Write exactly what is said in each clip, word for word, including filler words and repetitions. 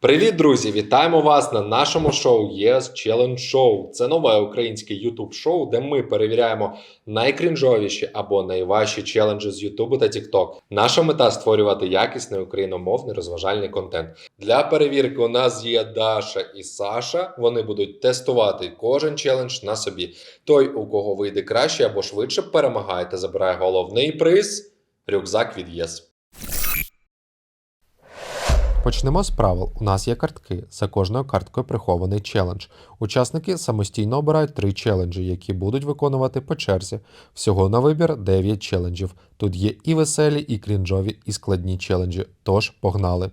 Привіт, друзі! Вітаємо вас на нашому шоу Yes Challenge Show. Це нове українське ютуб-шоу, де ми перевіряємо найкрінжовіші або найважчі челенджі з Ютубу та Тікток. Наша мета – створювати якісний україномовний розважальний контент. Для перевірки у нас є Даша і Саша. Вони будуть тестувати кожен челендж на собі. Той, у кого вийде краще або швидше, перемагає та забирає головний приз – рюкзак від Yes. Почнемо з правил. У нас є картки. За кожною карткою прихований челендж. Учасники самостійно обирають три челенджі, які будуть виконувати по черзі. Всього на вибір дев'ять челенджів. Тут є і веселі, і крінжові, і складні челенджі. Тож, погнали!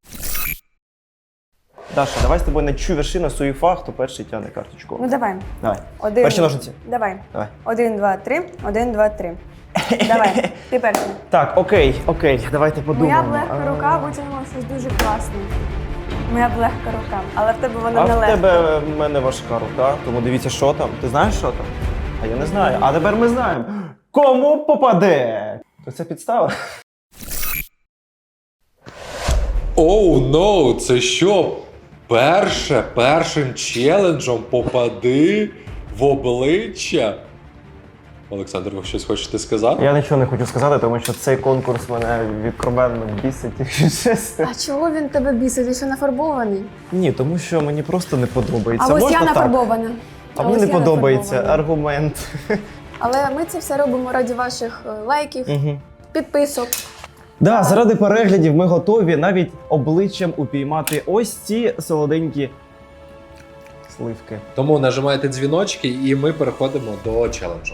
Даша, давай з тобою на чу вершина суєфа, хто перший тягне карточку. Ну давай. Давай. Один. Перші ножниці. Давай. Давай. Один, два, три. Один, два, три. Давай. Ти перший. Так, окей, окей, давайте Моя подумаємо. б легка рука витягнула щось дуже класне. Моя б легка рука. Але в тебе вона А не в легка. тебе в мене важка рука, тому дивіться, що там. Ти знаєш, що там? А я не знаю. А тепер ми знаємо. Кому попаде? То це підстава. Оу, oh, ноу, no, це що? Перше, першим челенджем попади в обличчя? Олександр, ви щось хочете сказати? Я нічого не хочу сказати, тому що цей конкурс мене відкровенно бісить, якщо чесно. А чого він тебе бісить? Ти що нафарбований? Ні, тому що мені просто не подобається. А ось Можна я так? нафарбована. А мені ось не я подобається нафарбована. аргумент. Але ми це все робимо раді ваших е, лайків, Угу. підписок. Да, заради переглядів ми готові навіть обличчям упіймати ось ці солоденькі сливки. Тому нажимайте дзвіночки і ми переходимо до челенджу.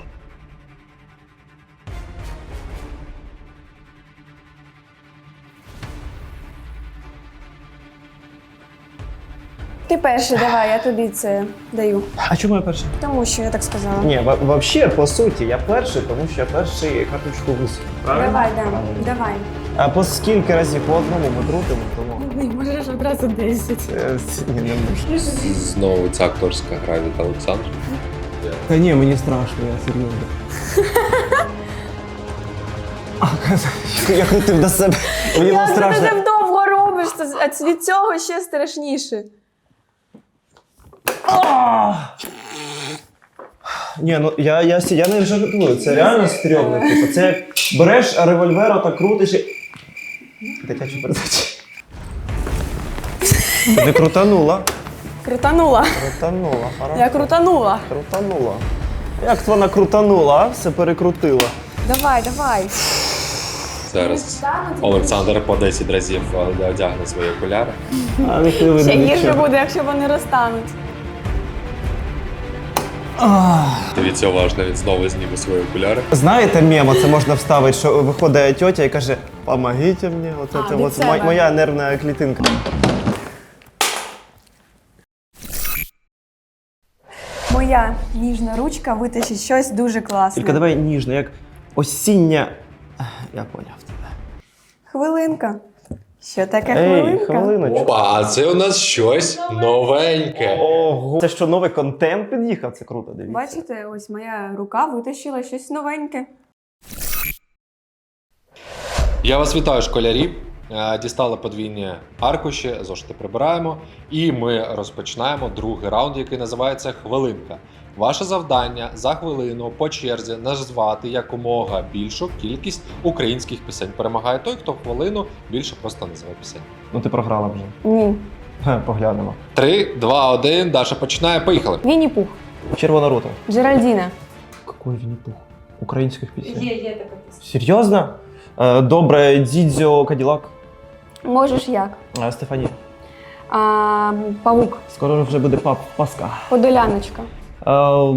Ти перший, давай, я тобі це даю. А чому я перший? Тому що я так сказала. Ні, взагалі, по суті, я перший, тому що я перший карточку висунув. Правильно? Давай, да, Правильно. давай. А по скільки разів по одному ми крутимо, тому... Ні, можеш одразу десять. Е, Ні, не можу. Знову ця акторська гра від Олександра. Та ні, мені страшно, я серйозно. А, я крутив до себе. Мені було Як ти страшно. так довго робиш, це- а від цього ще страшніше. Ні, ну я, я, я не жартую, це реально стрьомно. Типу, це як береш револьвер, так крутиш і... Дитяча передача. Ти крутанула. Крутанула. Крутанула, хорошо. Я крутанула. Крутанула. Як вона крутанула, а? Все перекрутила. Давай, давай. Зараз Олександр по десять разів одягне свої окуляри. А не ти Ще гірше буде, якщо вони розтануть. Дивіться уважно, він знову зніме свої окуляри. Знаєте мемо, це можна вставити, що виходить тьотя і каже «Помогіть мені». Оце, А, це, від от, себе. моя нервна клітинка. Моя ніжна ручка витащить щось дуже класне. Тільки давай ніжно, як осіння... Я поняв тебе. Хвилинка. Що таке Ей, хвилинка? хвилиночку. Опа, а це у нас щось новеньке. Ого. Це що, новий контент під'їхав? Це круто, дивіться. Бачите, ось моя рука витащила щось новеньке. Я вас вітаю, школярі. Е, Дістали подвійні аркуші, зошити прибираємо. І ми розпочинаємо другий раунд, який називається «Хвилинка». Ваше завдання за хвилину по черзі назвати якомога більшу кількість українських пісень. Перемагає той, хто в хвилину більше просто називе пісень. Ну ти програла вже. Ні. Ге, поглянемо. Три, два, один. Даша починає. Поїхали. Вінні-Пух. Червона рута. Джеральдіна. Какой Вінні-Пух? Українських пісень? Є, є така пісня. Серйозно? Е, Добре, Дідзьо, Каділак. Можеш як? Е, Стефанія. А, павук. Скоро вже буде пап Паска. Подоляночка. Е,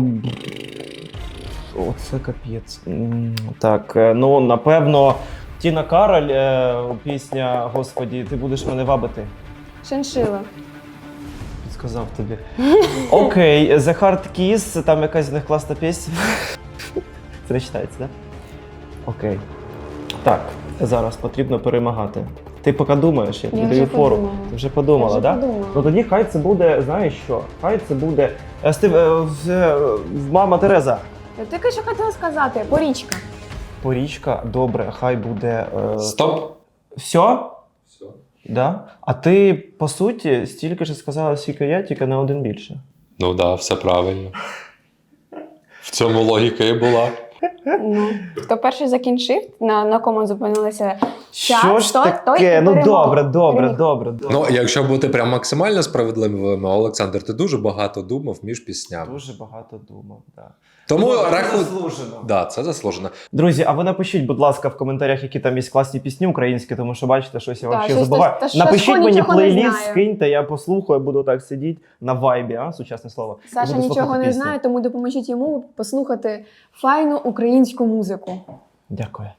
О, це капець. М, Так, е, ну, напевно, Тіна Кароль, е, пісня «Господі, ти будеш мене вабити». Шиншила. Підсказав тобі. Окей, The Hard Kiss, там якась з них класна пісня. Це не читається, так? Да? Окей. Так, зараз потрібно перемагати. Ти поки думаєш, я тобі Я даю вже фору. подумала. Ти вже подумала, Я вже так? подумала. Ну тоді хай це буде, знаєш що? Хай це буде. е, Стив, е, в- е, в- мама Тереза. Я тільки що хотіла сказати, порічка. Порічка, добре, хай буде. Е... Стоп. Все? Все. Да? А ти, по суті, стільки ж сказала, скільки я, тільки на один більше. Ну так, да, все правильно. В цьому логіка і була. Ну, хто перший закінчив, на, на кому зупинилися час, Що ж той- той таке? і Ну перемог. добре, добре, Переміг. добре, добре. Ну, якщо бути прям максимально справедливим, Олександр, ти дуже багато думав між піснями. Дуже багато думав, так. Тому Ну, це раху... заслужено. Да, це заслужено. Друзі, а ви напишіть, будь ласка, в коментарях, які там є класні пісні українські, тому що бачите, щось я Так, взагалі щось забуваю. та- та щось Напишіть Сашко мені нічого не плейліст, знає. скиньте, я послухаю, буду так сидіти на вайбі, а, сучасне слово. і Саша буду нічого слухати не пісні. знає, тому допоможіть йому послухати файну українську музику. Дякую.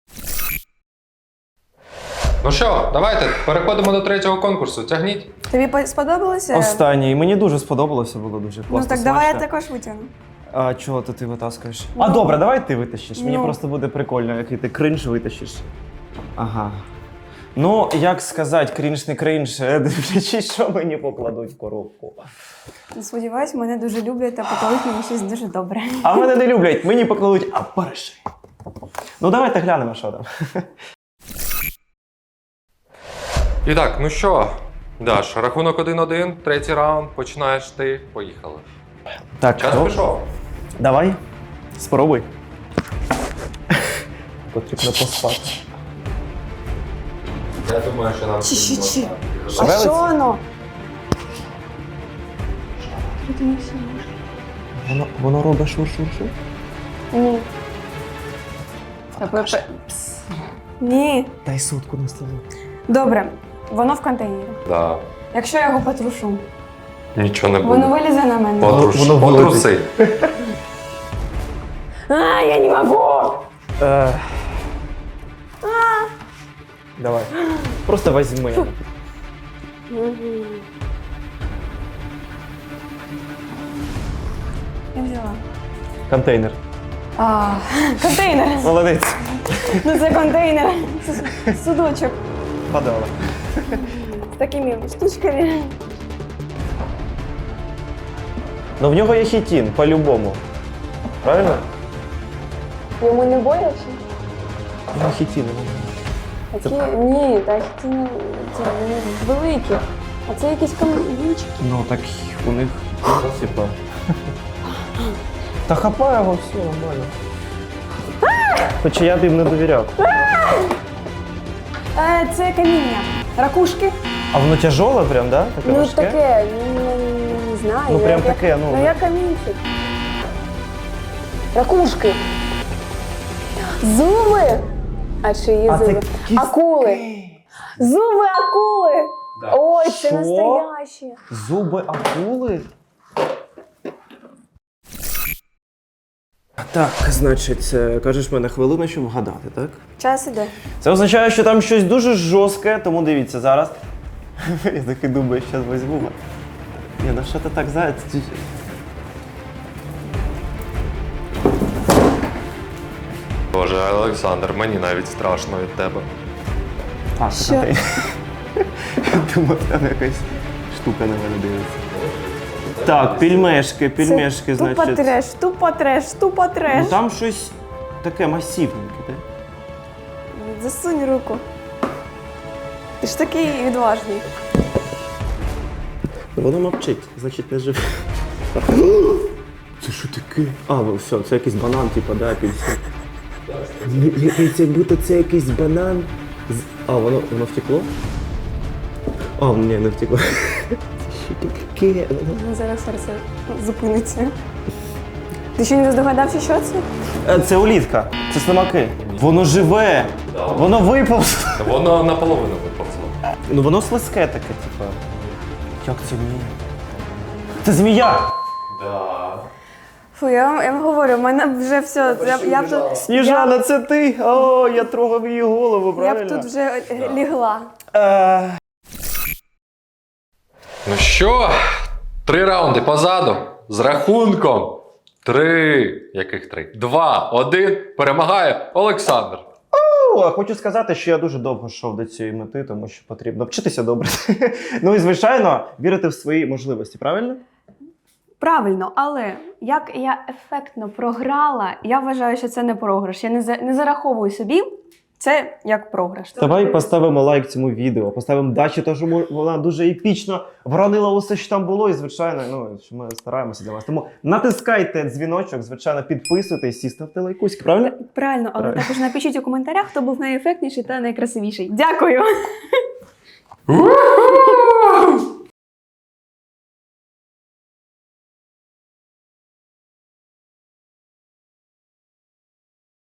Ну що, давайте переходимо до третього конкурсу. Тягніть. Тобі по- сподобалося? Останній. Мені дуже сподобалося, було дуже класно. Ну так давай я смачно. також витягну. А чого то ти витаскуєш? Ну, а добре, давай ти витащиш. Мені ну. просто буде прикольно, який ти кринж витащиш. Ага. Ну, як сказати, крінж не крінж, дивлячись, що мені покладуть в коробку. Сподіваюсь, мене дуже люблять та покладуть мені щось дуже добре. А мене не люблять, мені покладуть, а перший. Ну, давайте глянемо, що там. І так, ну що, Даш, рахунок один-один, третій раунд, починаєш ти, поїхали. Так, Час ну, пішов. давай, спробуй. Потрібно поспати. Я думаю, що нам... Чи-чи-чи. А Шевелиться? що воно? Воно, воно робить шур-шур-шур? Ні. Та пе- пе- пс. Ні. Дай сутку на столу. Добре, воно в контейнері. Да. Якщо я його потрушу, Нічого не воно буде. вилізе на мене. Потруш, Воно потруси. А, я не можу! Е... Давай. Просто возьми. Я взяла. Контейнер. А, контейнер. Молодець. Ну це контейнер. Це судочок Подала. з такими штучками. Ну в нього є хітін, по-любому. Правильно? Йому не боляче? У нього хітін. Такі, ні, та ті не ці не великі. А це якісь камінчики. Ну так у них типа. Та хапай його, все нормально. Хоча я б їм не довіряв. Е, це каміння. Ракушки. А воно тяжоле прям, да? Таке Ну важке? таке, ну, не, не знаю. Ну, прям я- таке, ну. Ну я камінчик. Ракушки. Зуби. А чиї А це зуби? кіс- Акули. Зуби акули. Да. Ой, це Що? настоящі. Зуби акули? Так, значить, е, кажеш мене хвилину, щоб вгадати, так? Час іде. Це означає, що там щось дуже жорстке, тому дивіться зараз. Я такий думаю, зараз візьму. Ні, ну що ти так заяць? Ти- Боже, Олександр, мені навіть страшно від тебе. А, Що? це контейнер. Думав, там якась штука на мене дивиться. Так, пельмешки, пельмешки, Це тупо значить. треш, тупо треш, тупо треш. Ну там щось таке масивненьке, так? Засунь руку. Ти ж такий відважний. Воно мовчить, значить не живе. Це що таке? А, ну все, це якийсь банан, типу, да, апельсин. Якийсь, як будто це якийсь банан. з- А, воно, воно втекло? А, ні, не втекло. Це що таке? Ну, зараз серце зупиниться. Ти ще не здогадався, що це? Е, Це улітка, це слимаки. Воно живе! Воно виповзло. Воно наполовину виповзло. Ну воно слизьке таке, типу. Як це ні? Це змія! Да. Фу, я вам, я вам говорю, в мене вже все. Я, я, б тут, Сніжана, це ти? О, я трогав її голову, я правильно? б тут вже е, лігла. Е, Ну що, три раунди позаду з рахунком. Три. Яких три? Два, один. Перемагає Олександр. Ну, хочу сказати, що я дуже довго йшов до цієї мети, тому що потрібно вчитися добре. Ну і, звичайно, вірити в свої можливості, правильно? Правильно, але як я ефектно програла, я вважаю, що це не програш. Я не, за, не зараховую собі Це як програш. Давай поставимо лайк цьому відео, поставимо дачі, тому що мо- вона дуже епічно вронила усе, що там було, і звичайно, ну, що ми стараємося для вас. Тому натискайте дзвіночок, звичайно, підписуйтесь і ставте лайкуськи, правильно? Правильно, але Правильно. також напишіть у коментарях, хто був найефектніший та найкрасивіший. Дякую! Уху!